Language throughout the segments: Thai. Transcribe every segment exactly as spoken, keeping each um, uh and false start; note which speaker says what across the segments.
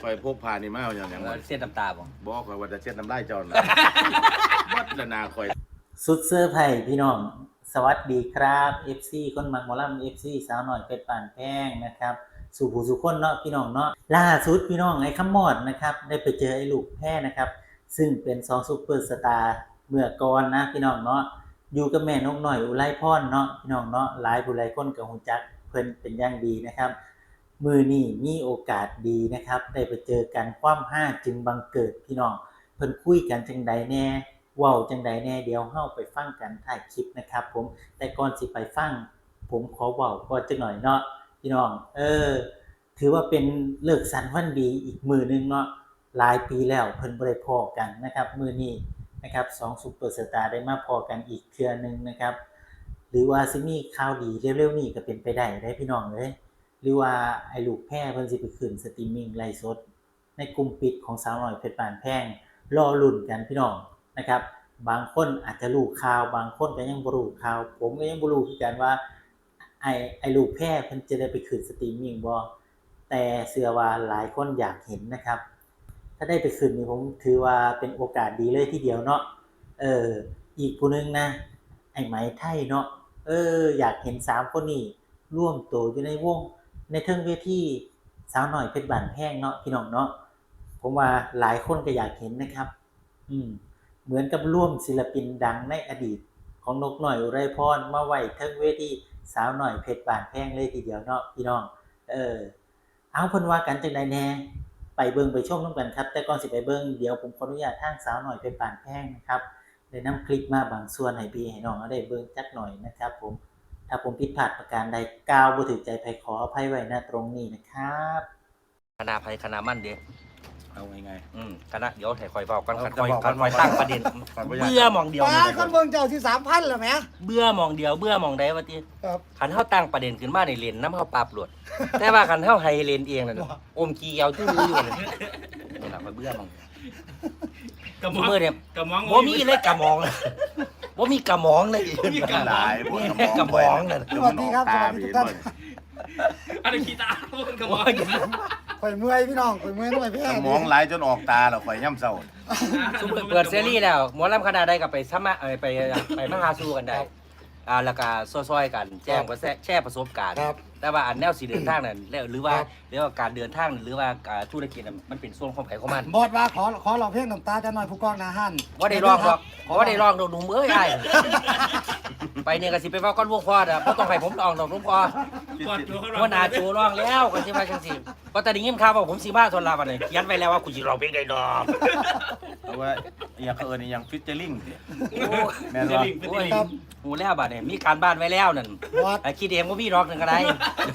Speaker 1: คอยพกพานี่มาเอาอย่างอย่างว่า
Speaker 2: เส้นน้ำตาบ่
Speaker 1: บอกคอยว่าจะเช็ดน้ำได้จอนวัดละนาคอย
Speaker 3: สุดเซอร์ไพรส์พี่น้องสวัสดีครับ เอฟ ซี คนมักหมอลำ เอฟ ซี สาวหน่อยเป็ดป่านแพงนะครับสู่ผู้สู่คนเนาะพี่น้องเนาะล่าสุดพี่น้องไอ้คำมอดนะครับได้ไปเจอไอ้ลูกแพ้นะครับซึ่งเป็นสองซุปเปอร์สตาร์เมื่อก่อนนะพี่น้องเนาะอยู่กับแม่นกน้อยอุไรพรเนาะพี่น้องเนาะหลายผู้หลายคนก็ฮู้จักเพิ่นเป็นอย่างดีนะครับมื้อนี้มีโอกาสดีนะครับได้ไปเจอกันความห้าจึงบังเกิดพี่น้องเพิ่นคุยกันจังใดแน่เว้าจังใดแน่เดี๋ยวเฮาไปฟังกันท้ายคลิปนะครับผมแต่ก่อนสิไปฟังผมขอเว้าก่อนจักหน่อยเนาะพี่น้องเออถือว่าเป็นเลิกสันวันดีอีกมื้อนึงเนาะหลายปีแล้วเพิ่นบ่ได้พ้อกันนะครับมื้อนี้นะครับสองซุปเปอร์สตาร์ได้มาพ้อกันอีกเทื่อนึงนะครับหรือว่าสิมีข่าวดีเร็วๆนี้ก็เป็นไปได้เด้พี่น้องเอ้ยหรือว่าไอ้ลูกแพร่เพิ่นสิไปขึ้นสตรีมมิ่งไลฟ์สดในกลุ่มปิดของสาวน้อยเพชรป่านแพงรอลุ้นกันพี่น้องนะครับบางคนอาจจะรู้ข่าวบางคนก็ยังบ่รู้ข่าวผมก็ยังบ่รู้คือกันว่าไอ้ไอ้ลูกแพร่เพิ่นจะได้ไปขึ้นสตรีมมิ่งบ่แต่เชื่อว่าหลายคนอยากเห็นนะครับถ้าได้ไปขึ้นนี่ผมถือว่าเป็นโอกาสดีเลยทีเดียวเนาะเอออีกผู้นึงนะไอ้ไหมไทยเนาะเอออยากเห็นสามคนนี้ร่วมตัวอยู่ในวงในเทิงเวทีสาวน้อยเพชรบ้านแพงเนาะพี่น้องเนาะผมว่าหลายคนก็อยากเห็นนะครับอืมเหมือนกับร่วมศิลปินดังในอดีตของนกน้อยอุไรพรมาไว้เทิงเวทีสาวน้อยเพชรบ้านแพงเลยทีเดียวเนาะพี่น้องเออเอาเพิ่นว่ากันจังได๋แน่ไปเบิ่งไปชมนำกันครับแต่ก่อนสิไปเบิ่งเดี๋ยวผมขออนุญาตทางสาวน้อยเพชรบ้านแพงนะครับได้นำคลิปมาบางส่วนให้พี่ให้น้องเอาได้เบิ่งจักหน่อยนะครับผมถ้าผมผิดพลาดประการใดกล่าวบ่ถูกใจไผขออภัยไว้ณตรงนี้นะครับ
Speaker 2: คณะภัยคณะมั่นเด้
Speaker 1: เอาไงไง
Speaker 2: อืมคณะเดี๋ยวให้คอยเว้ากันคอยคอยตั้งประเด็นเบื่อมองเดียว
Speaker 4: ป้าคนเบิ่งเจ้าที่ สามพัน แล้วแหม
Speaker 2: เบื่อมองเดียวเบื่อมองใดว่าติ
Speaker 4: ครับ
Speaker 2: คันเฮาตั้งประเด็นขึ้นมาในเลนนำเฮาปราบหลวดแต่ว่าคันเฮาให้เลนเองนั่นอมกี้เอาซื่ออยู่นี่นี่ล่ะเบื่อมองกระมองเนี่ยกระมองบ่มีเลยกระมองบ่มีกระมองเลยมีกระมองกระมองนั่น
Speaker 4: สวัสดีครับสวัสดีทุกท่าน
Speaker 2: อะไรขี้ตาบ่กระมอง
Speaker 4: ข่อยเมื่อยพี่น้องข่อยเมื่อยทำไมแพ้
Speaker 1: มองหลายจนออกตาแล้วคอยย่ำเศร้า
Speaker 2: ซุเปิดซีรีส์แล้วหมอลำคณะใดก็ไปสมัครไปไปมาหาสู่กันได้อ่าแล้วก็ซอยๆกันแจ้งว่าแชร์ประสบการณ์แต่ว่าอันแนวสิเดินทางนั่นหรือว่าหรือว่าการเดินทางหรือว่าธุรกิจมันเป็นส่วนของไผของมัน
Speaker 4: บอดว่าขอขอร้องเพลงน้ำตาจะหน่อยผู้กองนาฮั่น
Speaker 2: ว่าได้ร้องหรอกว่าได้ร้องโดนหนุ่มเอ้ยไอ้ไปเนี่ยก็สิไปเว้าก้อนวงพอดอ่ะบ่ต้องให้ผมร้องดอกหนุ่มพอว่าหน้าโจร้องแล้วก็สิว่าจังซี่ก็แต่ได้ยินข่าวว่าผมสิมาทนลาบัดนี้เขียนไว้แล้วว่ากูสิร้องเพลงได้ดอก
Speaker 1: เอาว่าอย่างเขาเอิ้นอย่างฟิชเจอริงแม่น
Speaker 2: บ่
Speaker 1: บ่
Speaker 2: โอ้ยหูแล้วบัดนี้มีการบ้านไว้แล้วนั่น
Speaker 4: บอด
Speaker 2: ไอ้คิดเองว่ามีรอกนึงก็ได้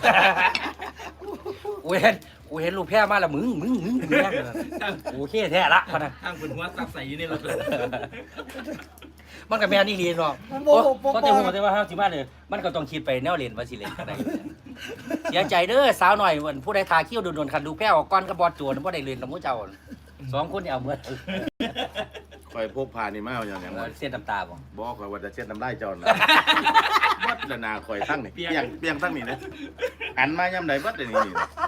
Speaker 2: กูเห็นกูเห็นลูกแพ้มาแล้วมึงมึงมึงมึงแย่เลยโอเคแท้ละพะนะ
Speaker 5: ทางคนหัวซับใส่อยู่ในรถเลย
Speaker 2: มันกับแม่นี่เรียนเนาะ
Speaker 4: มัน
Speaker 2: เพราะ
Speaker 4: โบโบ
Speaker 2: เพราะแต่หัวแต่ว่าเฮาสิมาเนี่ยมันก็ต้องคิดไปแนวเรียนว่าสิเล่นก็ได้เสียใจเด้อสาวหน่อยวันผู้ใดทาคิ้วโดนๆคันดูแพ้ออกก้อนกับบอดโจรบ่ได้เรียนกับหมู่เจ้าสองคนนี่เอาเหมือน
Speaker 1: คอยพกพานี่มาเอาอย่างอย่างว่า
Speaker 2: เส้นน้ำตาบ่
Speaker 1: บอกคอยว่าจะเช็ดน้ำได้จอนวัดละนาคอยทั้งนี่เปียงเปียงทั้งนี่นะหันมาย่ำใดวัดเลยนี่